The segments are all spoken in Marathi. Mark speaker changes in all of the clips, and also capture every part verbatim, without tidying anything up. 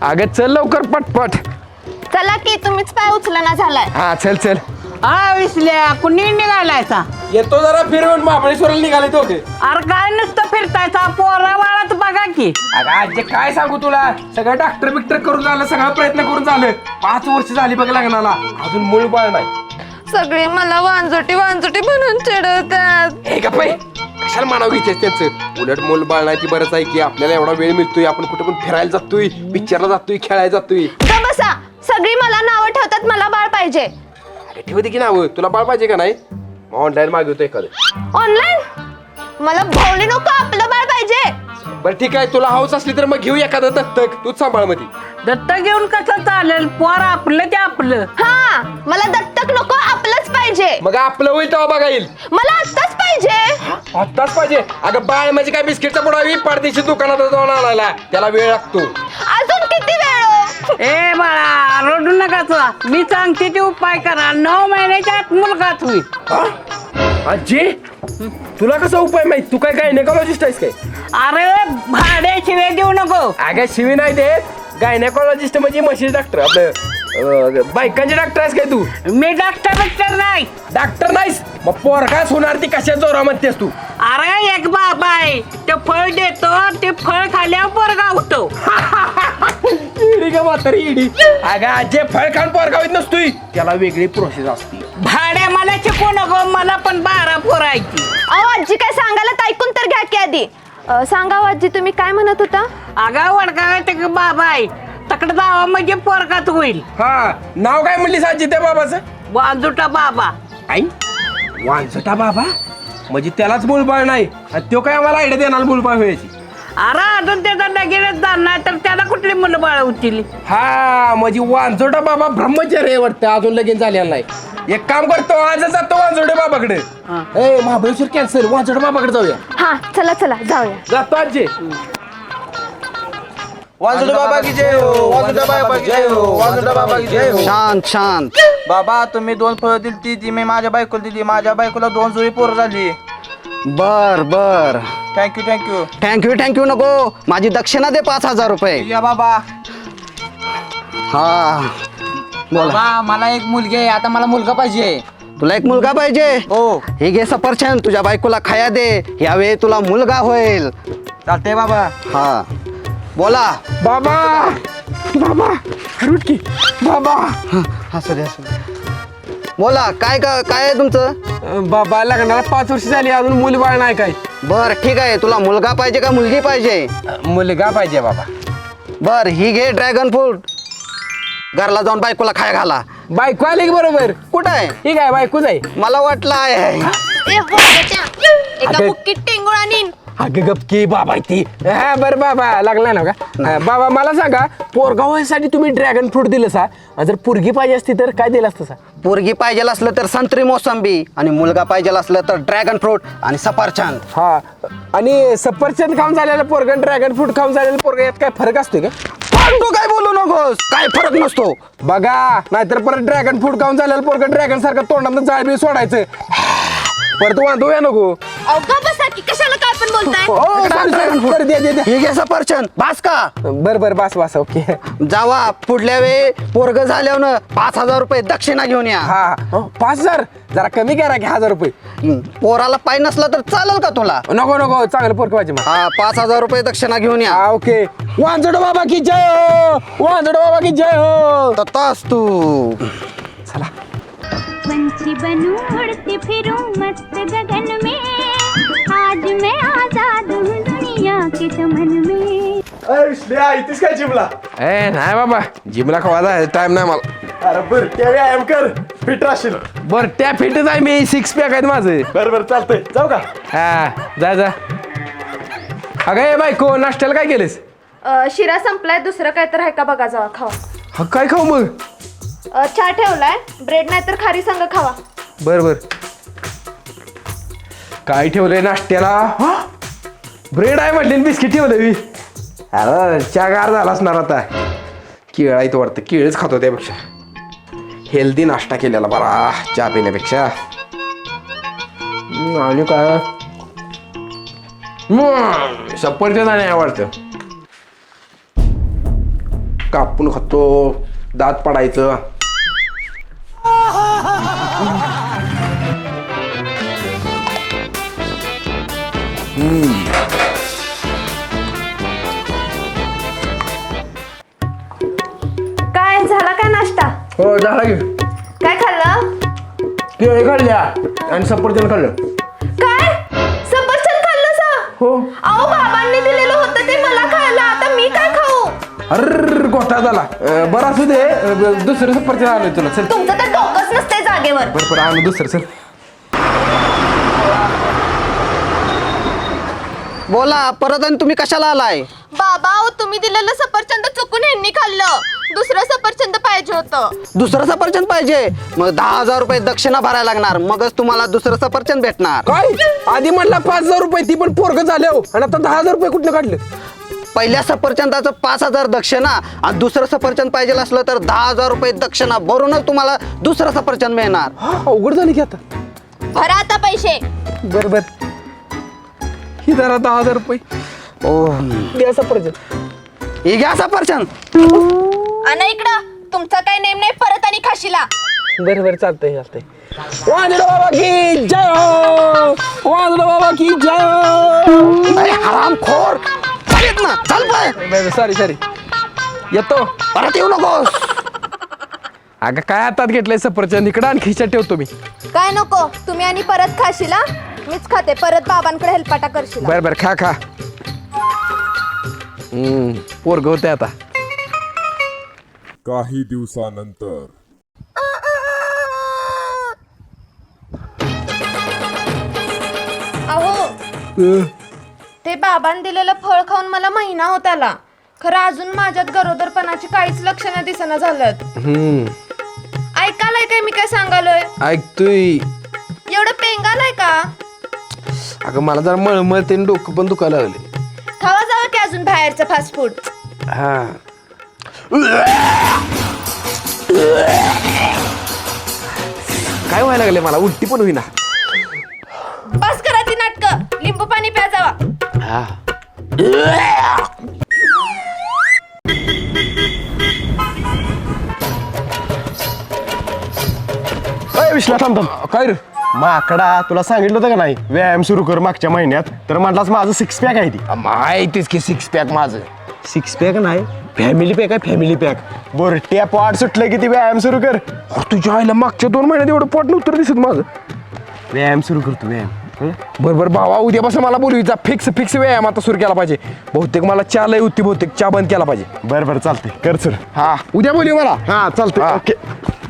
Speaker 1: अगं चल लवकर पटपट.
Speaker 2: चला की तुम्हीच पाय उचलना झालाय.
Speaker 1: हा चल चल.
Speaker 3: हा विसल्या कुणी निघालायचा?
Speaker 1: येतो जरा फिरवून महाबळेश्वरला निघाले तो.
Speaker 3: अरे काय नुसतं फिरतायचा पोरा वाळात बघा की.
Speaker 1: अगं आजी काय सांगू तुला, सगळं डॉक्टर बिक्टर करून झालं, सगळा प्रयत्न करून झालं. पाच वर्ष झाली बघ लग्नाला, अजून मूळ बाळ नाही.
Speaker 2: सगळे मला वांजटी वांजटी म्हणून चिडवतात.
Speaker 1: हे का पाय कशाला मानावं घेतेस त्यांचं. उलट मूल बाळ नाही ती बरंच आहे की आपल्याला एवढा वेळ मिळतोय, आपण कुठे पण फिरायला जातोय, पिक्चरला जातोय, खेळायला जातोय.
Speaker 2: ग बसा, सगळी मला नावं ठेवतात मला बाळ पाहिजे.
Speaker 1: अरे ठेवते की नाव, तुला बाळ पाहिजे का नाही? ऑनलाईन मागवतो एखादं.
Speaker 2: ऑनलाईन? मला भावली नको, आपलं बाळ पाहिजे.
Speaker 1: बरं ठीक आहे, तुला हाऊस असली तर मग घेऊ एखादं दत्तक, तूच सांभाळ मध्ये.
Speaker 3: दत्त घेऊन कसं चालेल? पोर आपलं ते आपलं.
Speaker 2: हा, मला दत्तक नको, आपलंच पाहिजे.
Speaker 1: मग आपलं होईल तेव्हा बघा येईल.
Speaker 2: मला आत्ताच पाहिजे.
Speaker 1: आत्ताच पाहिजे? अगं बाळ म्हणजे काय बिस्किटचा पुडावी पारदेशी दुकानात जाऊन आणायला, त्याला वेळ लागतो.
Speaker 2: अजून किती वेळ?
Speaker 3: ए बाळा रडू नका, मी सांगते ते उपाय करा. नऊ महिन्याच्या आत मुलगाच होईल.
Speaker 1: आजी तुला कसा उपाय माहित? तू काय गायनेकॉलॉजिस्ट आहेस काय?
Speaker 3: अरे भाडे शिवे देऊ नको.
Speaker 1: अगं शिवी नाही देत, गायनेकॉलॉजिस्ट म्हणजे म्हशीचे डॉक्टर, आपलं अं, बायकांचे डॉक्टर आहेस काय तू?
Speaker 3: मी डॉक्टर बिक्टर नाही.
Speaker 1: डॉक्टर नाहीस मग पोर काय होणार ती कशा जोरा म्हणतेस तू?
Speaker 3: अरे एक बाबा आहे, ते फळ देतो, ते फळ खाल्यावर पोरगा होतो.
Speaker 1: इडी का म्हातारी इडी. अगं आजे फळ खाऊन पोरगा होत नसतोय, त्याला वेगळी प्रोसेस असते.
Speaker 3: भाड्या मला शिकू नको, मला पण बारा पोरायची.
Speaker 2: अहो आजी काय सांगायला ऐकून तर घ्या की आधी. अं, सांगा हो आजी, तुम्ही काय म्हणत होता?
Speaker 3: अगा वडका ते बाबा आहे, तकडे जावा म्हणजे पोरगाच होईल.
Speaker 1: हा नाव काय म्हणलीस आजी त्या बाबाचं?
Speaker 3: वाजूटा बाबा.
Speaker 1: आई वांझटा बाबा म्हणजे त्यालाच मूलबाळ नाही, आणि तो काय आम्हाला आयडिया देणार मूलबाळ व्हायची?
Speaker 3: अरे अजून त्याचा लगेच जाणार तर त्याला कुठली मुलं बाळ होतील?
Speaker 1: हा म्हणजे वांझोटा बाबा ब्रह्मचारी वाटतं, अजून लगीन झालेला नाही. एक काम करतो, आज जातो वांझोटे बाबाकडे. ए महाबळेश्वर कॅन्सर, वांझोटे बाबाकडे जाऊया.
Speaker 2: हा चला चला जाऊया.
Speaker 1: जातो आजी.
Speaker 4: वांजुटा बाबा की जय हो, वांजुटा बाबा की जय हो, वांजुटा बाबा की जय हो.
Speaker 5: शांत शांत.
Speaker 4: बाबा तुम्ही दोन फळं दिली ती ती मी माझ्या बायकोला दिली, माझ्या बायकोला दोन जुळी पोरं झाली.
Speaker 5: बर बर
Speaker 4: थँक्यू थँक्यू.
Speaker 5: थँक्यू थँक्यू नको, माझी दक्षिणा दे पाच हजार रुपये.
Speaker 4: या बाबा.
Speaker 5: हा बोला.
Speaker 6: बाबा मला एक मुलगी आहे, आता मला मुलगा पाहिजे.
Speaker 5: तुला एक मुलगा पाहिजे?
Speaker 4: हो
Speaker 5: हे घे सफरचंद, तुझ्या बायकोला खाया दे, यावेळी तुला मुलगा होईल.
Speaker 4: चालतंय बाबा.
Speaker 5: हा बोला.
Speaker 1: बाबा बाबा रुट की बाबा.
Speaker 5: असू दे असू दे. बोला काय का काय आहे तुमचं?
Speaker 1: अं, बाबा लग्नाला पाच वर्ष झाली, अजून मूलबाळ नाही काय?
Speaker 5: बर ठीक आहे, तुला मुलगा पाहिजे का मुलगी पाहिजे?
Speaker 1: मुलगा पाहिजे बाबा.
Speaker 5: बर ही घे ड्रॅगन फ्रूट, घरला जाऊन बायकोला खाया घाला.
Speaker 1: बायको आली की बरोबर?
Speaker 5: कुठं आहे?
Speaker 1: ठीक आहे बायकोच आहे.
Speaker 5: मला वाटलं आहे.
Speaker 2: ए, हो, बेटा. एका
Speaker 1: अगं.
Speaker 2: बुक्कीत टेंगुळा नेईन.
Speaker 1: अगं गपकी बाबा ती. हा बरं बाबा लागला ना का? हा, बाबा मला सांगा, पोरगा व्हायसाठी तुम्ही ड्रॅगन फ्रूट दिलं सा, आणि जर पोरगी पाहिजे असती तर काय दिलं असतं सा?
Speaker 5: पोरगी पाहिजे असलं तर संत्री मोसंबी, आणि मुलगा पाहिजे असलं तर ड्रॅगन फ्रूट आणि सफरचंद.
Speaker 1: हा आणि सफरचंद खाऊन झालेलं पोरगा, ड्रॅगन फ्रूट खाऊन झालेलं पोरगा, यात काय फरक असतो का?
Speaker 5: तू काय बोलू नकोस, काय फरक नसतो.
Speaker 1: बघा नाहीतर परत ड्रॅगन फ्रूट खाऊन झालेलं पोरगा ड्रॅगन सारखं तोंडात जाळ बी सोडायचं, परत वांधूया नको.
Speaker 2: अहो ग बसा की, कशाला काय पण बोलताय?
Speaker 1: हो, sorry, sorry. बरं, दे दे दे.
Speaker 5: हे घे सफरचंद, बास का?
Speaker 1: बर बर बस बस ओके.
Speaker 5: जावा पुढल्या वेळी पोरग झाल्यावर पाच हजार रुपये दक्षिणा घेऊन या.
Speaker 1: हा हो, पाच हजार जरा कमी करा की हजार रुपये.
Speaker 5: हं, पोराला पाय नसला तर चालेल का तुला?
Speaker 1: नको नको चांगलं पोरग पाहिजे मला.
Speaker 5: हा पाच हजार रुपये दक्षिणा घेऊन या.
Speaker 1: हा ओके. वांजड बाबा की जय हो, वांजड बाबा की जय हो.
Speaker 5: ततास तू.
Speaker 1: चला.
Speaker 7: पंछी बनूं उड़ती फिरूं मस्त गगन में, आज मैं आजाद हूँ दुनिया के चमन में.
Speaker 4: इथेच काय जिमला?
Speaker 1: ए नाही बाबा जिमला खवायचा टाइम नाही मला.
Speaker 4: अरे बर त्या व्यायाम कर, फिट राहशील.
Speaker 1: बर त्या फिटच आहे मी, सिक्स पॅक आहेत माझं.
Speaker 4: बरं बरं चालतंय, जाऊ का?
Speaker 1: हा जा जा. अगं ए बायको नाश्त्याला काय केलेस?
Speaker 2: अं, शिरा संपलाय, दुसरं काय तर आहे का बघा, जावा खावा.
Speaker 1: हा काय खाऊ मग?
Speaker 2: अं, चहा ठेवलाय, ब्रेड नाही तर खारी संग खावा.
Speaker 1: बर बर. काय ठेवलंय नाश्त्याला? ब्रेड आहे म्हटले, बिस्किट ठेवलं मी. अरे चहा गार झाला असणार आता. केळ आहे तो वाटतं, केळच खातो त्यापेक्षा. हेल्दी नाश्ता केलेला बरा चहा पिण्यापेक्षा. हम्म, आणि काय सफरचंद आणि आवडतं. कापून खातो, दात पडायचं.
Speaker 2: काय झाला काय नाश्ता?
Speaker 1: हो झाला की.
Speaker 2: काय खाल्लं?
Speaker 1: केळी खाल्ल्या आणि सफरचंद खाल्लं.
Speaker 2: काय सफरचंद खाल्लं सा?
Speaker 1: हो.
Speaker 2: अहो बाबांनी दिलेलं होतं ते मला खायला, आता मी काय खाऊ?
Speaker 1: अर गोठा झाला. अं, बरं असू दे. अं, दुसरं सफरचंद आलोय तुला. चल
Speaker 2: तुमचं तर डोकंच नसते जागेवर.
Speaker 1: बरं बरं आणू दुसरं. चल
Speaker 5: बोला परत आणि तुम्ही कशाला आलाय?
Speaker 2: बाबा अहो, तुम्ही दिलेलं सफरचंद चुकून ह्यांनी खाल्लं. दुसरं सफरचंद पाहिजे होतं.
Speaker 5: दुसरं सफरचंद पाहिजे? मग दहा हजार रुपये दक्षिणा भरायला लागणार, मगच तुम्हाला दुसरं सफरचंद भेटणार.
Speaker 1: काय आधी म्हटलं पाच हजार रुपये, ती पण पोरग झाले हो, आणि आता दहा हजार रुपये कुठलं काढलं?
Speaker 5: पहिल्या सफरचंदाचं पाच हजार दक्षिणा आणि दुसरं सफरचंद पाहिजे असलं तर दहा हजार रुपये दक्षिणा भरूनच तुम्हाला दुसरं सफरचंद मिळणार.
Speaker 1: हा, अवघड झाली की आता.
Speaker 2: भरा आता पैसे.
Speaker 1: बर बर ही जरा दहा हजार रुपये.
Speaker 5: ओ
Speaker 1: द्या सफरचंद.
Speaker 5: हे घ्या सफरचंद.
Speaker 2: आणि इकडं तुमचा काय नेम नाही, परत आणि खाशीला.
Speaker 1: बरं बरं चालतंय चालतंय. वाजलो बाबा की जय हो, वाजलो बाबा की जय हो.
Speaker 5: अरे हरामखोर चालेत ना, चाल पाय.
Speaker 1: सॉरी सॉरी येतो.
Speaker 5: परत येऊ नकोस.
Speaker 1: अगं काय हातात घेतलंय सफरचंद, इकडं आणि खिशात ठेवतो मी.
Speaker 2: काय नको तुम्ही आणि परत खाशीला. मीच खाते, परत बाबांकडे हेलपाटा करशील.
Speaker 1: बर बर खा खा. हम्म पोरग होते आता.
Speaker 8: काही दिवसानंतर
Speaker 2: अहो ते बाबांनी दिलेलं फळ खाऊन मला महिना होत आला, खरं अजून माझ्यात गरोदरपणाची काहीच लक्षणं दिसना झालं.
Speaker 1: हम्म
Speaker 2: ऐकायलाय काय मी काय सांगालोय?
Speaker 1: ऐकतोय.
Speaker 2: एवढं पेंगालाय का?
Speaker 1: अगं मला जरा मळमळते आणि डोकं पण दुखायला लागले.
Speaker 2: खावा जावं की अजून बाहेरचं फास्ट फूड.
Speaker 1: हा काय व्हायला लागले मला, उलटी पण होईना.
Speaker 2: बस करा ती नाटकं, लिंबू पाणी प्या जावा.
Speaker 1: हा
Speaker 9: विश्ला थांब थांब.
Speaker 1: काय रे
Speaker 9: माकडा तुला सांगितलं होतं का नाही व्यायाम सुरू कर मागच्या महिन्यात, तर म्हटलास माझं सिक्स पॅक आहे ती.
Speaker 1: माहितीच की सिक्स पॅक माझं.
Speaker 9: सिक्स पॅक नाही फॅमिली पॅक आहे फॅमिली पॅक. बोर टॅप वाट सुटलं की ती व्यायाम सुरू कर.
Speaker 1: अरे तुझ्या आईला मागच्या दोन महिन्यात एवढं पोट नव्हतं दिसत माझं.
Speaker 9: व्यायाम सुरू करतो व्यायाम.
Speaker 1: बरं बरं भावा उद्यापासून मला बोलवीचा फिक्स फिक्स व्यायाम आता सुरू केला पाहिजे. बहुतेक मला चहा लय होती, बहुतेक चहा बंद केला पाहिजे.
Speaker 9: बरं बरं चालतंय कर सर.
Speaker 1: हा उद्या बोलू मला.
Speaker 9: हा चालतंय
Speaker 1: हा.
Speaker 9: ओके.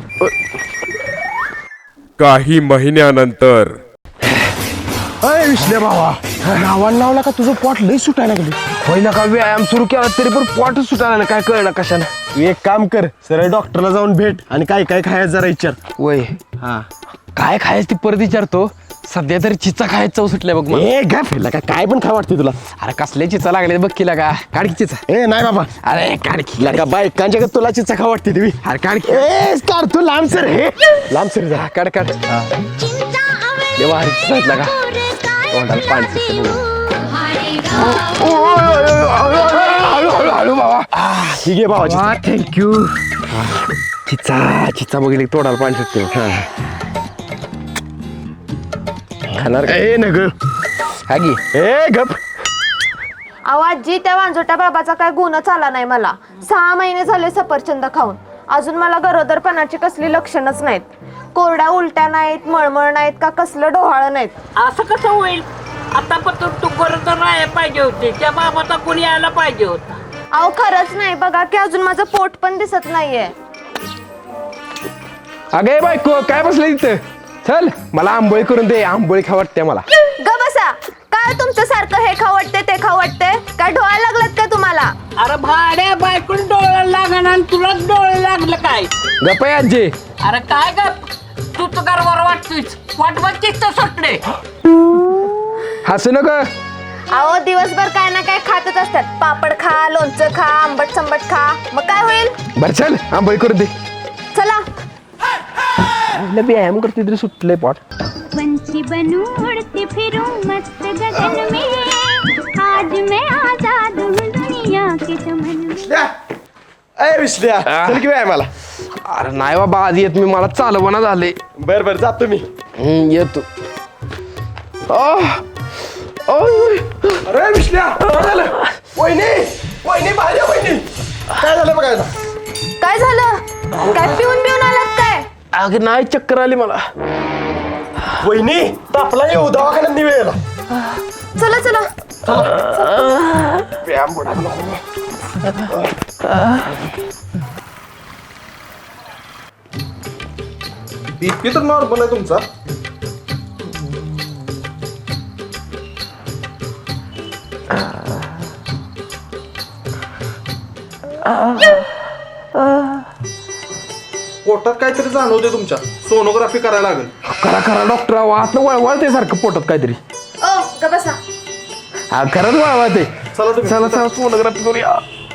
Speaker 8: काही महिन्यानंतर
Speaker 9: अय विश्ले भावा नावान लावला का तुझं पोट लय सुटायला लागली.
Speaker 1: होईना का व्यायाम सुरू केला तरी पण पोटच सुटायला नाही, काय कळलं कशानं.
Speaker 9: तू एक काम कर सरळ डॉक्टरला जाऊन भेट आणि काय काय खायचं जरा विचार.
Speaker 1: वय
Speaker 9: हा
Speaker 1: काय खायचं ती परत विचारतो. सध्या तरी चिचा खायचं चव सुटल्या बघ मला.
Speaker 9: ए गा फिरला का काय पण खा वाटते तुला.
Speaker 1: अरे कसले चिचा लागले बघ किला का. काढ की चिचा.
Speaker 9: ए नाही बाबा
Speaker 1: अरे काढ की.
Speaker 9: का बायकांच्या तुला चिचा खा वाटते तुम्ही.
Speaker 1: अरे काढ की.
Speaker 9: ए काढ तू लांब सर हे लांब सर जा.
Speaker 1: हा, काढ काढ. देवा हरी चिचा का तोंडाला पाणी सुटतं बघ. हळू हळू हळू बाबा.
Speaker 9: ठीक आहे बाबा
Speaker 1: थँक्यू. चिचा चिचा बघितली तोंडाला पाणी सुटते. हा खाणार का?
Speaker 9: ए नग
Speaker 1: हा की.
Speaker 9: ए गप.
Speaker 2: अहो आजी त्या वांजोट्या बाबाचा काय गुणच आला नाही मला. सहा महिने झाले सफरचंद खाऊन, अजून मला गरोदरपणाची कसली लक्षणच नाहीत. कोरड्या उलट्या नाहीत, मळमळ नाहीत का कसलं डोहाळं नाहीत.
Speaker 3: असं कसं होईल? आता पण तू तू गरोदर राहायला पाहिजे होती, त्या बाबाचा कोणी यायला पाहिजे होता.
Speaker 2: अहो खरंच नाही, बघा की अजून माझं पोट पण दिसत नाहीये.
Speaker 1: अगे बायको काय बसलं तिथं. चल मला आंबोळी करून दे, आंबोळी खा वाटते मला.
Speaker 2: ग बसा. काय तुमचं सारखं हे खाऊ वाटते ते खाऊ वाटते, काय डोळ्याला लागलात का तुम्हाला?
Speaker 3: अरे भाड्या बायकून डोळे लागण आणि तुलाच डोळे लागलं काय?
Speaker 1: गप्प आहे आजी.
Speaker 3: अरे काय ग तू तर गरबर वाटतोयस, वाट बघतीस तर सुटले.
Speaker 1: हसू नको.
Speaker 2: अहो दिवसभर काय ना काय खातच असतात. पापड खा, लोणचं खा, आंबट संबट खा, मग काय होईल?
Speaker 1: बर चल आंबोळी करून दे.
Speaker 2: चला.
Speaker 1: व्यायाम करते तरी सुटले पोट.
Speaker 7: पंछी बनूं उड़ती फिरूं मस्त गगन में, आज मैं आजाद हूँ दुनिया के चमन में.
Speaker 9: अय विश्ल्या चल की व्यायामाला.
Speaker 1: अरे नाही बाबा आज येत मी मला चालवणा झाले.
Speaker 9: बर बर जातो मी.
Speaker 1: हम्म, येतो. आह, ओय.
Speaker 9: अरे विश्ल्या काय झालं? वहिनी वहिनी बाहेर या वहिनी. काय झालं बघायला?
Speaker 2: काय झालं? काय पिऊन पिऊन आलात काय?
Speaker 1: अगं नाही चक्कर आली मला.
Speaker 9: वहिनी तापला येऊ दवाखान्यात नाही वेळेला.
Speaker 2: चला चला.
Speaker 1: व्यायाम बुडा नको.
Speaker 9: बीपी तर नॉर्मल आहे तुमचा.
Speaker 4: पोटात काहीतरी जाणवते तुमच्या, सोनोग्राफी करायला लागेल.
Speaker 1: करा करा डॉक्टर आत वळवळते सारखं पोटात काहीतरी.
Speaker 2: ओ ग बसा.
Speaker 1: हा खरंच वळवळते.
Speaker 4: चला तुम्ही.
Speaker 1: चला चला सोनोग्राफी करूया.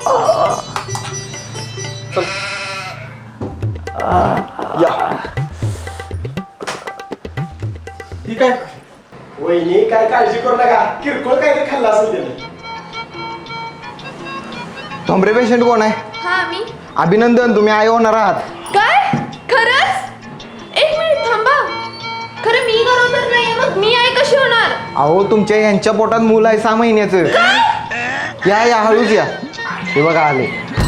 Speaker 4: ठीक आहे.
Speaker 9: वहिनी काय काळजी करू नका. किरकोळ काय ते खाल्लं असेल त्याने.
Speaker 5: ठोंबरे पेशंट कोण आहे?
Speaker 2: हा मी.
Speaker 5: अभिनंदन, तुम्ही आई होणार आहात.
Speaker 2: काय? खरंच? एक मिनिट थांबा. खरं मी गरोदर नाहीये, मग मी आई कशी होणार?
Speaker 5: अहो तुमच्या यांच्या पोटात मूल आहे सहा महिन्याचं. या या हळूच या. हे बघा आले.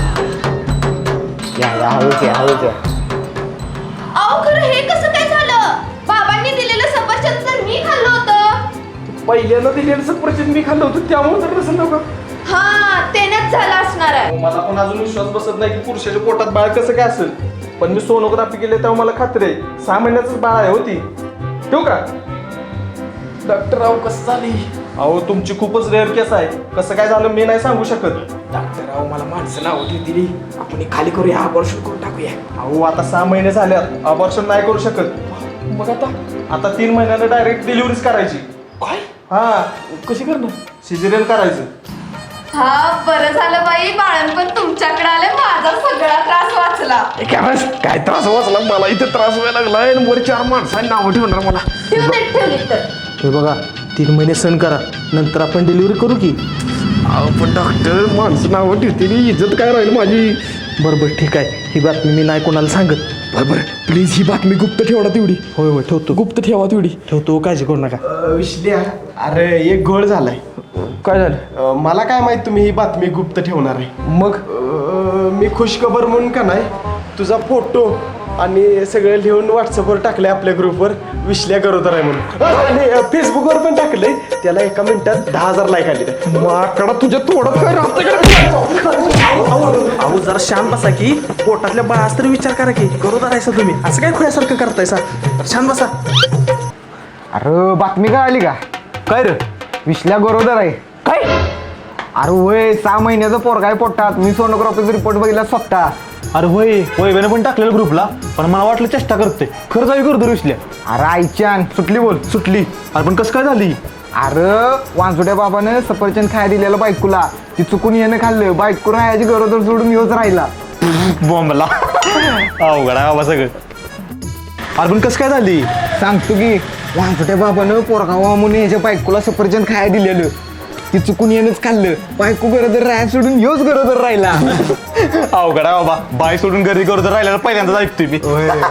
Speaker 5: या या हळूच या हळूच या.
Speaker 2: अहो खरं हे कसं काय झालं? बाबांनी दिलेलं सफरचंद तर मी खाल्लं होतं.
Speaker 1: पहिल्यांदा दिलेलं सफरचंद मी खाल्लं होतं त्यामुळे तर नसेल नका.
Speaker 2: हा तेनच झालं असणार आहे.
Speaker 4: मला पण अजून विश्वास बसत नाही की पुरुषाच्या पोटात बाळ कसं काय असेल. पण मी सोनोग्राफी केली तेव्हा मला खात्री आहे सहा महिन्याच बाळ आहे होती. ठेवू का?
Speaker 1: डॉक्टर राव कसं झाली?
Speaker 4: अहो तुमची खूपच रेअर केस आहे. कसं काय झालं मी नाही सांगू शकत.
Speaker 1: डॉक्टर राव मला माणसं नाव दिली. आपण हे खाली करूया, अबॉर्शन करून टाकूया.
Speaker 4: अहो आता सहा महिने झाल्यात, अबॉर्शन नाही करू शकत.
Speaker 1: मग आता
Speaker 4: आता तीन महिन्यानं डायरेक्ट डिलिव्हरीच करायची.
Speaker 1: काय
Speaker 4: हा
Speaker 1: कशी करणार?
Speaker 4: सिजेरियन करायचं.
Speaker 2: हा बरं झालं बाई, बाळणपण तुमच्याकडे आले, माझा सगळा त्रास वाचला.
Speaker 1: ए, काय बस, काय त्रास वाचला मला इथे त्रास व्हायला लागलाय आणि वर चार माणसांनी नावं ठेवणार मला.
Speaker 2: ठेवून देत ठेवली तर.
Speaker 4: हे बघा तीन महिने सण करा, नंतर आपण डिलिव्हरी करू की.
Speaker 1: अहो पण डॉक्टर माणसं नावं ठेवते, इज्जत काय राहील माझी.
Speaker 4: बरं बरं ठीक आहे, ही बातमी मी नाही कोणाला सांगत.
Speaker 1: बरं बरं प्लीज ही बातमी गुप्त ठेवा तेवढी.
Speaker 4: होय होय ठेवतो
Speaker 1: गुप्त ठेवा तेवढी.
Speaker 4: ठेवतो, काळजी करू नका.
Speaker 9: विश्ल्या अरे एक घोळ झालाय.
Speaker 1: काय झालं?
Speaker 9: अं, मला काय माहित तुम्ही ही बातमी गुप्त ठेवणार आहे.
Speaker 1: मग
Speaker 9: अं, मी खुशखबर म्हणून का नाही तुझा फोटो आणि सगळं लिहून व्हॉट्सअपवर टाकलंय आपल्या ग्रुपवर, विश्ल्या गरोदर आहे म्हणून. आणि अं, फेसबुकवर पण टाकलंय. त्याला एका मिनिटात दहा हजार लाईक आले.
Speaker 1: माकडा तुझ्या तोडत काय राहतं
Speaker 4: अहो जरा शांत बसा की, पोटातल्या बाळास तरी विचार करा की, गरोदर आहे तुम्ही, असं काय खुल्यासारखं करताय सा. शांत बसा.
Speaker 5: अरे बातमी काय आली का?
Speaker 4: काय रे?
Speaker 5: विश्ल्या गरोदर आहे.
Speaker 1: काय?
Speaker 5: अरे वय सहा महिन्याचं पोरगा आहे पोटात. मी सोनोग्राफीचा रिपोर्ट बघितला स्वतः.
Speaker 9: अरे होय वैभ्याने पण टाकलेलं ग्रुपला, पण मला वाटलं चेष्टा करते. खरं जावी गरोदर विश्ल्या.
Speaker 5: अरे आईच्यान सुटली बोल.
Speaker 9: सुटली. अरे पण कसं काय झाली?
Speaker 5: अरे वांजुट्या बाबानं सफरचंद खायला दिलेलं बायकोला, ती चुकून येणं खाल्लं. बायको राहायची गरोदर सोडून येऊच राहिला.
Speaker 9: बॉम्बला अवघड आहे बाबा सगळं. अरे पण कसं काय झाली?
Speaker 5: सांगतो की, वांजुट्या बाबानं पोरगावा म्हणून याच्या बायकोला सफरचंद खायला दिलेलं, ती चुकून येणंच खाल्लं. बायको गरोदर राहायला सोडून योच गरोदर राहिला.
Speaker 9: अवघड आहे बाबा, बाय सोडून घरी गरोदर राहिल्याला पहिल्यांदाच ऐकतोय मी.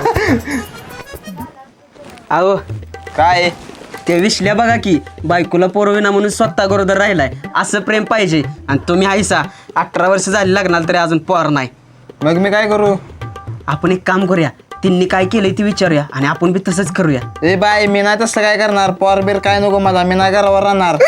Speaker 6: अहो काय ते विश्ल्या बघा की, बायकोला पोरविना म्हणून स्वतः गरोदर राहिलाय. असं प्रेम पाहिजे. आणि तुम्ही आईसा अठरा वर्ष झाली लागणार तरी अजून पोर नाही.
Speaker 5: मग मी काय करू?
Speaker 6: आपण एक काम करूया, त्यांनी काय केलंय ते विचारूया आणि आपण बी तसंच करूया.
Speaker 5: ए बाय, मी नाही तसं काय करणार. पोर बीर काय नको मला, मी नाही घरावर राहणार.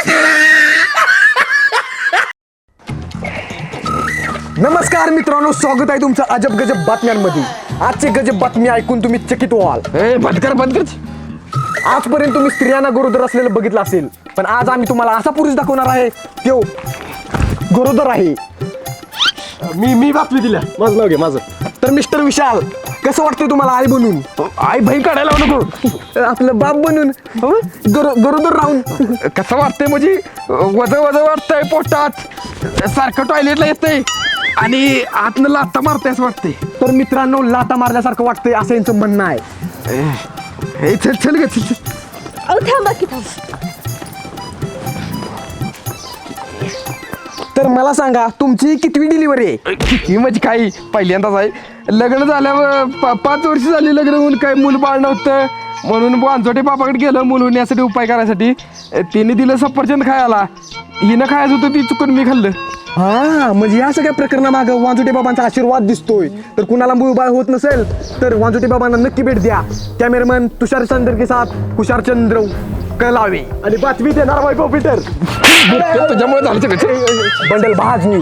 Speaker 9: नमस्कार मित्रांनो, स्वागत आहे तुमचं अजब गजब बातम्यांमध्ये. आजची गजब बातमी ऐकून तुम्ही चकित व्हाल.
Speaker 1: ए बंद कर बंद कर.
Speaker 9: आजपर्यंत तुम्ही स्त्रियांना गरोदर असलेलं बघितलं असेल, पण आज आम्ही तुम्हाला असा पुरुष दाखवणार आहे तो गरोदर आहे. मी मी बातमी दिल्या, माझं नाव घे माझं. तर मिस्टर विशाल, कसं वाटतंय तुम्हाला आई बनून?
Speaker 1: आई भाई काढायला नको,
Speaker 9: आपलं बाप बनून गरो गरोदर राहून
Speaker 1: कसं वाटतंय म्हणजे वज वज वाटतंय पोटात, सारखं टॉयलेटला येतंय आणि आतनं लाथा मारतंय असं वाटतंय.
Speaker 9: तर मित्रांनो, लाता मारल्यासारखं वाटतंय असं यांचं म्हणणं आहे.
Speaker 1: हे चल चल ग चल चल.
Speaker 2: अहो थांबा की थांबा.
Speaker 9: तर मला सांगा तुमची कितवी डिलिव्हरी आहे?
Speaker 1: किती म्हणजे काही पहिल्यांदाच आहे. लग्न झाल्यावर पा- पाच वर्ष झाली लग्न होऊन काय मूल बाळ नव्हतं म्हणून वांजोटे बापाकडे गेलं मूल होण्यासाठी उपाय करायसाठी. तिने दिलं सफरचंद खायला, हिनं खायचं होतं ती चुकून मी खाल्लं.
Speaker 9: हा म्हणजे या सगळ्या प्रकरणामागं वांजुटे बाबांचा आशीर्वाद दिसतोय. तर कुणाला मूळबाळ होत नसेल तर वांजुटे बाबांना नक्की भेट द्या. कॅमेरामॅन तुषार चंद्र के साथ कुशार चंद्र कलावे आणि बातमी देणार वैभव पीटर.
Speaker 1: तुझ्यामुळे झालं सगळं.
Speaker 9: बंडल भाज न्यूज.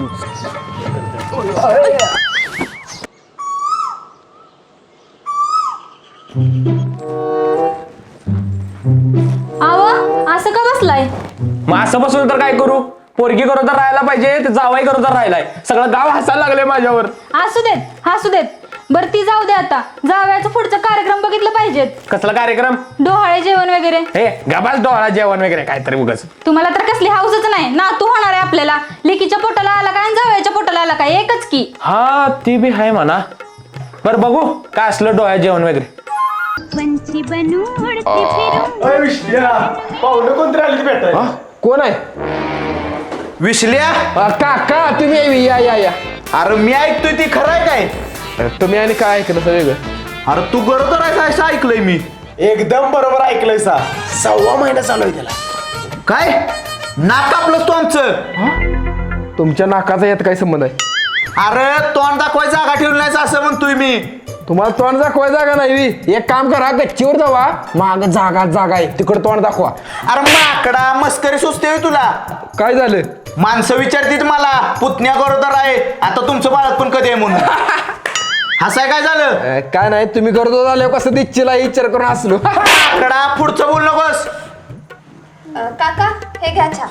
Speaker 7: आवा असं का बसलाय?
Speaker 10: मग असं बसून तर काय करू? पोरगी गरोदर राहायला पाहिजे, ते जावाई गरोदर राहिलाय. सगळं गाव हसायला लागले माझ्यावर.
Speaker 7: असू देत हसू देत. बर ती जाऊ दे आता. जावयाचा पुढचा कार्यक्रम बघितलं पाहिजेत.
Speaker 10: कसला कार्यक्रम?
Speaker 7: डोहाळे जेवण वगैरे.
Speaker 10: हे गबाल डोळा जेवण वगैरे काहीतरी उगाच.
Speaker 7: तुम्हाला तर कसली हाऊसच नाही ना. तू होणार आहे आपल्याला. लेकीच्या पोटाला आला काय आणि जावयाच्या पोटाला आला काय एकच की.
Speaker 10: हा ती बी आहे म्हणा. बरं बघू काय असलं डोळा जेवण वगैरे.
Speaker 7: पंछी बनू उडती फिरू.
Speaker 4: पाहुणे कोणतरी आली भेटाय.
Speaker 1: हा? कोण आहे?
Speaker 5: विसल्या
Speaker 1: अ, काका तुम्ही यावी, या या या.
Speaker 5: अरे मी ऐकतोय ती खरं आहे काय?
Speaker 1: अ, तुम्ही आणि काय ऐकलं सगळं वेगळं?
Speaker 5: अरे तू गरोदर आहे असं ऐकलंय मी.
Speaker 9: एकदम बरोबर ऐकलंय सा. सव्वा महिना चालू आहे त्याला.
Speaker 5: काय नाक कापलं तू आमचं?
Speaker 1: तुमच्या नाकाचा यात काय संबंध आहे?
Speaker 5: अरे तोंड दाखवायची जागा ठेवली नाही असं म्हणतोय मी.
Speaker 1: तुम्हाला तोंड दाखवाय जागा नाही बी. एक काम करा, गच्चीवर जावा, माग जागा जागा आहे तिकडे तोंड दाखवा.
Speaker 5: अरे माकडा मस्करी सुचते होय तुला.
Speaker 1: काय झालं?
Speaker 5: माणसं विचारतीत मला पुतण्या गरोदर आहे आता तुमचं बाळात पण कधी आहे म्हणून. हसाय काय झालं?
Speaker 1: अ, काय नाही, तुम्ही करतो झाल्यावर कसं दिच्छीला विचार करून असलो.
Speaker 5: माकडा पुढचं बोल नकोस.
Speaker 2: काका हे घ्या चहा.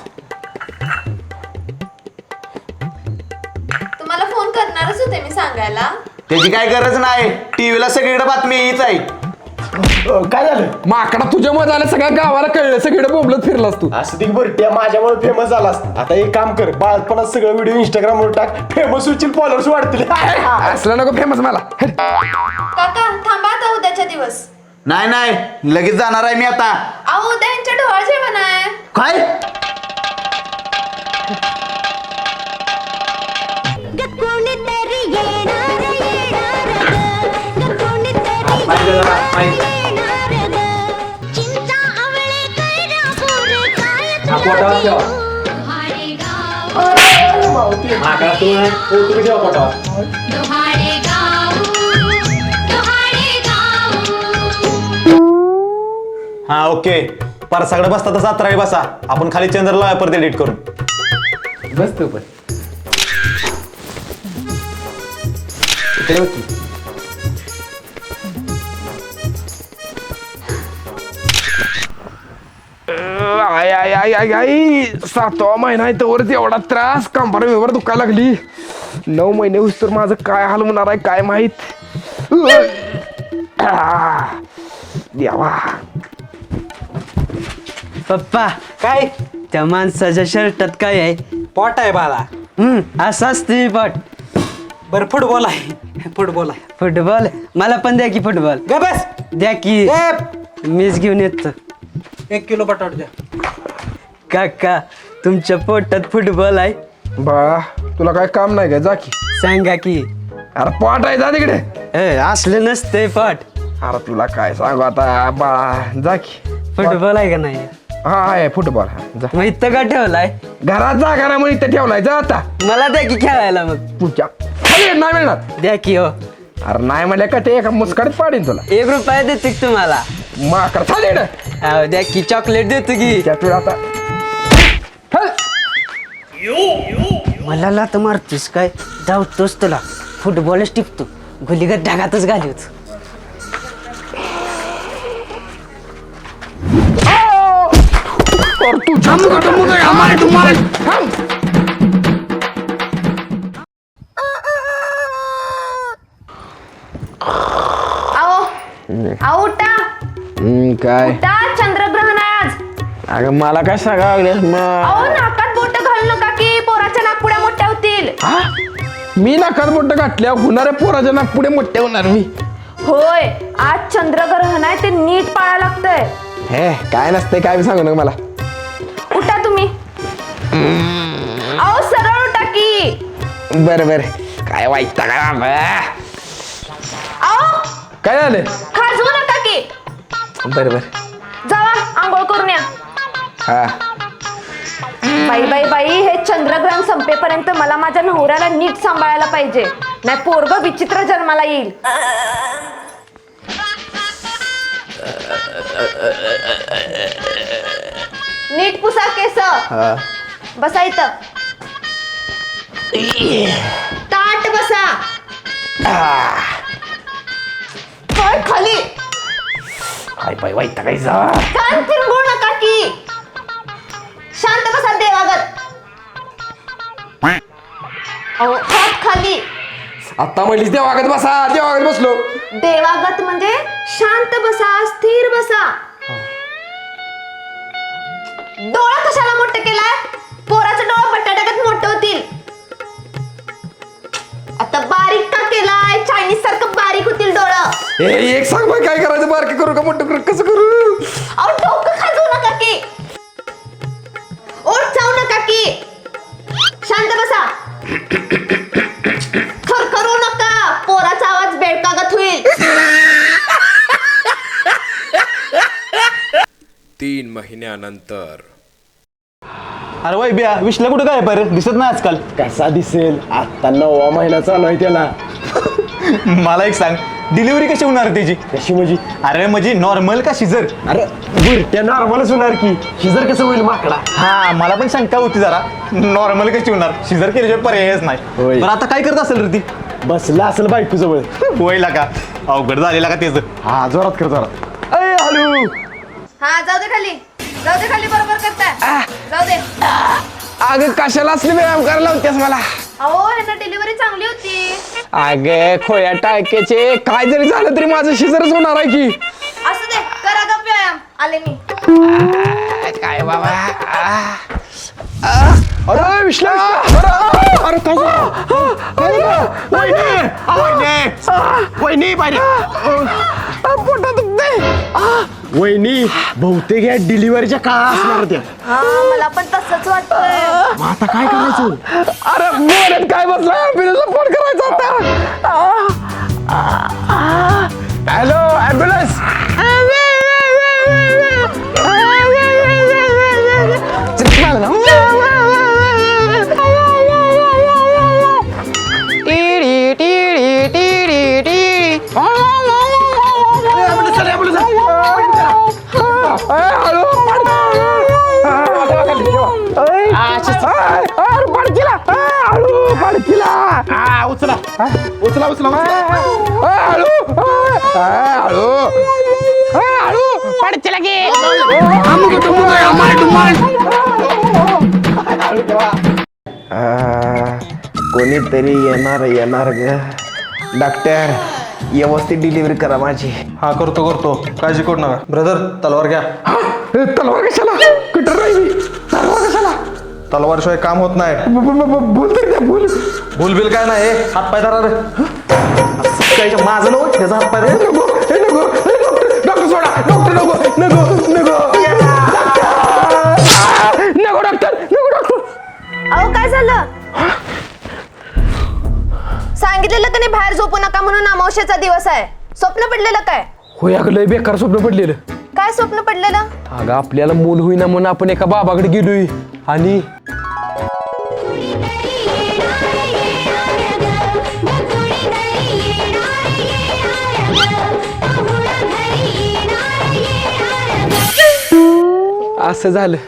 Speaker 2: तुम्हाला फोन करणारच होते मी सांगायला.
Speaker 5: त्याची काय गरज नाही. टीव्हीला सगळीकडे बातमी हीच आहे.
Speaker 9: काय झालं?
Speaker 1: माकडा तुझ्यामुळे झालं, सगळ्या गावाला कळलं, सगळीकडे बोंबलत फिरलास तू.
Speaker 9: असं ती बरं त्या माझ्यामुळे फेमस झालास. आता एक काम कर, बाळपणात सगळं व्हिडिओ इंस्टाग्रामवर टाक. फेमस होतील, फॉलोअर्स वाढतील.
Speaker 1: असलं नको फेमस मला.
Speaker 2: काका थांबा आता उद्याच्या दिवस.
Speaker 5: नाही नाही लगेच जाणार आहे मी आता.
Speaker 2: अहो उद्या यांच्या डोहाळ जेवण आहे.
Speaker 5: काय?
Speaker 7: कोणीतरी येणार येणार ग. कोणीतरी येणार ग. चिंता आवळे कैरा बोरे काय तुला देऊ. डोहाळे गाव डोहाळे गाव डोहाळे गाव.
Speaker 11: हा ओके. परसाकडे बसता तसा अत्राळी बसा. आपण खाली चंद्रला परत एडिट करू.
Speaker 1: बस तू पण. आय आय आय आय आय सातवा महिना आहे तोवर एवढा त्रास, कंबर व्यवहार दुखायला लागली. नऊ महिने होस तर माझं काय हाल होणार आहे काय माहित. आ, देवा.
Speaker 6: पप्पा काय त्या माणसाच्या शर्टात काय आहे?
Speaker 3: पोट आहे बाळा.
Speaker 6: हम्म असं असते पट.
Speaker 3: बरं फुटबॉल आहे. फुटबॉल आहे.
Speaker 6: फुटबॉल मला पण द्या की फुटबॉल.
Speaker 3: ग बस.
Speaker 6: द्या की मीच घेऊन येतो.
Speaker 3: एक किलो बटाट द्या.
Speaker 6: काका तुमच्या पोटात फुटबॉल आहे?
Speaker 1: बा तुला काय काम नाही काय? जा की.
Speaker 6: सांगा की.
Speaker 1: अरे पोट आहे, जा तिकडे.
Speaker 6: ए असलं नसतंय पट.
Speaker 1: अरे तुला काय सांगू आता बाळा, जा की.
Speaker 6: फुटबॉल आहे का नाही?
Speaker 1: हा आहे फुटबॉल. हा जा.
Speaker 6: मग इथं का ठेवलाय?
Speaker 1: घरात जागा नाही म्हणून इथं ठेवलाय. जा आता.
Speaker 6: मला द्या की खेळायला. मग
Speaker 1: पुढच्या खाली नाही मिळणार.
Speaker 6: द्या की. हो
Speaker 1: अरे नाही म्हणल्या का ते एका मुस्काडीत पाडीन तुला.
Speaker 6: एक रुपया देते की तुम्हाला?
Speaker 1: माकड चालेल ना.
Speaker 6: अहो, द्या की चॉकलेट देतो की.
Speaker 1: त्यातून आता हल.
Speaker 6: मला लात मारतोस काय? धावतोस तुला फुटबॉलच टिपतो. गुलीगत ढगातच घालवतो.
Speaker 1: और तू छान का मुझे हमारे तुम्हारे हम.
Speaker 2: अहो अहो उठा
Speaker 1: काय?
Speaker 2: उठा. चंद्रग्रहण आहे आज.
Speaker 1: अगं मला काय सांगा
Speaker 2: अहो नाकात बोट घालू नका की पोराच्या नाकपुड्या मोठ्या होतील.
Speaker 1: मी नाकात बोट घातल्या होणाऱ्या पोराच्या नाकपुढे मोठे होणार मी.
Speaker 2: होय आज चंद्रग्रहण आहे ते नीट पाळायला लागतंय.
Speaker 1: हे काय नसते काय सांगू नका मला.
Speaker 2: उठा तुम्ही. अहो सरळ उठा
Speaker 1: बरं बरं काय वाईट काय
Speaker 2: आओ
Speaker 1: काय झालं
Speaker 2: खाजवू नका की.
Speaker 1: बरं बरं
Speaker 2: जावा आंघोळ करून या.
Speaker 1: हा
Speaker 2: बाई बाई बाई हे चंद्रग्रहण संपेपर्यंत मला माझ्या नवऱ्याला नीट सांभाळायला पाहिजे, नाही पोरग विचित्र जन्माला येईल. नीट पुसा केस. बसा इथं. ताट बसा. पाय खाली.
Speaker 1: काय पाय वाईट काय जा
Speaker 2: कान फिरवू नका की. शांत बसा देवागत. अहो हात खाली.
Speaker 1: आता म्हणलीस देवागत बसा देवागत बसलो.
Speaker 2: देवागत म्हणजे शांत बसा, स्थिर बसा. डोळा कशाला मोठं केलाय? पोराचं डोळा बटाट्यागत मोठं होतील. आता बारीक का केलाय? चायनीज सारखं बारीक होतील डोळं.
Speaker 1: ए एक सांग बाई काय करायचं बारके करू का मोठं करू कसं करू?
Speaker 2: अहो डोकं खाजवू नका की. ओठ चावू नका की. शांत बसा. खरखरू नका, पोराचा आवाज बेडकागत होईल.
Speaker 8: तीन महिन्यानंतर
Speaker 11: अरे वय बिया विश्ला कुठं काय पर दिसत नाही आजकाल.
Speaker 9: कसा दिसेल, आता नववा महिना चालू आहे त्याला.
Speaker 11: मला एक सांग डिलिव्हरी कशी होणार त्याची?
Speaker 9: कशी म्हणजे?
Speaker 11: अरे म्हणजे नॉर्मल का शिजर?
Speaker 9: अरे बुरट्या नॉर्मलच होणार की, शिजर कसं होईल माकडा?
Speaker 11: हा मला पण शंका होती जरा, नॉर्मल कशी होणार, शिजर केल्याशिवाय पर्यायच नाही.
Speaker 9: होय.
Speaker 11: तर आता काय करत असेल रे ती?
Speaker 9: बसला असेल बायको जवळ.
Speaker 11: होईला का अवघड झालेला का त्याचं?
Speaker 9: हा जोरात कर जोरात. अय हॅलो.
Speaker 2: हा जाऊ दे खाली. जाऊ दे खाली. बरोबर करताय. जाऊ दे.
Speaker 1: अगं कशाला असले व्यायाम करायला होत्यास मला?
Speaker 2: अहो ह्यांना डिलिव्हरी चांगली होती.
Speaker 1: अगे खोया टाळक्याचे काय जरी झालं तरी माझं शिजरच होणार आहे की.
Speaker 2: असू दे करा गप व्यायाम. आले मी.
Speaker 1: काय बाबा अरे विश्ला अरे काय
Speaker 9: वहिनी पाहिजे.
Speaker 1: पोटात दुखते.
Speaker 9: वहिनी बहुतेक या डिलिव्हरीच्या काळा असणार त्या.
Speaker 2: हा मला पण तसंच वाटतंय.
Speaker 9: मग आता काय करायचं?
Speaker 1: अरे बोलत काय बसला ॲम्ब्युलन्सला फोन करायचा होता. Hello ambulance.
Speaker 9: उचला उचला उचला
Speaker 1: कोणीतरी येणार येणार ग. डॉक्टर व्यवस्थित डिलिव्हरी करा माझी.
Speaker 4: हा करतो करतो काळजी करू नका. ब्रदर तलवार घ्या.
Speaker 1: तलवार कशाला? कुठं राहिली तलवार कशाला?
Speaker 4: तलवारशिवाय काम होत नाही.
Speaker 1: बोल तर द्या बोल.
Speaker 4: भूलबिल काय नाही. हात पाय धरा रे. काय माझं नको त्याचा हात पाय रे.
Speaker 1: नको हे नको डॉक्टर सोडा. डॉक्टर नको नको नको नको डॉक्टर नको डॉक्टर.
Speaker 2: अहो काय झालं? सांगितलेलं का नाही बाहेर झोपू नका म्हणून? अमावस्येचा दिवस आहे. स्वप्न पडलेलं काय?
Speaker 1: होय अगं लय बेकार स्वप्न पडलेलं.
Speaker 2: काय स्वप्न पडलेलं?
Speaker 1: अगं आपल्याला मूल होईना म्हणून आपण एका बाबाकडे गेलोय आणि असं झालं.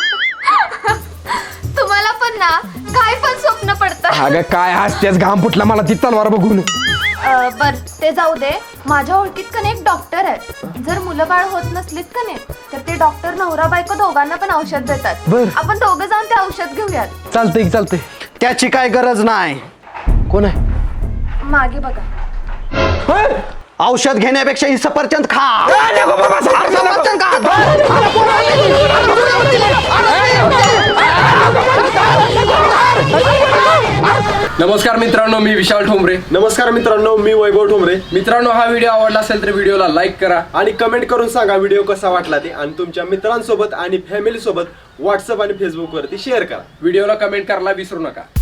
Speaker 2: तुम्हाला पण ना काय पण स्वप्न पडतं.
Speaker 1: अगं काय हसतेच घाम फुटला मला ती तलवार बघून.
Speaker 2: बर ते जाऊ दे. माझ्या ओळखीत का नाही एक डॉक्टर आहे. जर मुलं बाळ होत नसलीत का नाही तर ते डॉक्टर नवरा बायको दोघांना पण औषध देतात.
Speaker 1: बर.
Speaker 2: आपण दोघं जाऊन ते औषध घेऊयात.
Speaker 1: चालतंय की चालतंय.
Speaker 5: त्याची काय गरज नाही.
Speaker 1: कोण आहे?
Speaker 2: मागे बघा.
Speaker 5: औषध घेण्यापेक्षा ही सफरचंद खा. सफरचंद खा.
Speaker 10: नमस्कार मित्रांनो, मी विशाल ठोंबरे.
Speaker 9: नमस्कार मित्रांनो, मी वैभव ठोंबरे.
Speaker 10: मित्रांनो, हा व्हिडिओ आवडला असेल तर व्हिडिओला लाईक करा
Speaker 9: आणि कमेंट करून सांगा व्हिडिओ कसा वाटला ते, आणि तुमच्या मित्रांसोबत आणि फॅमिली सोबत व्हॉट्सअप आणि फेसबुक वरती शेअर करा.
Speaker 10: व्हिडिओला कमेंट करायला विसरू नका.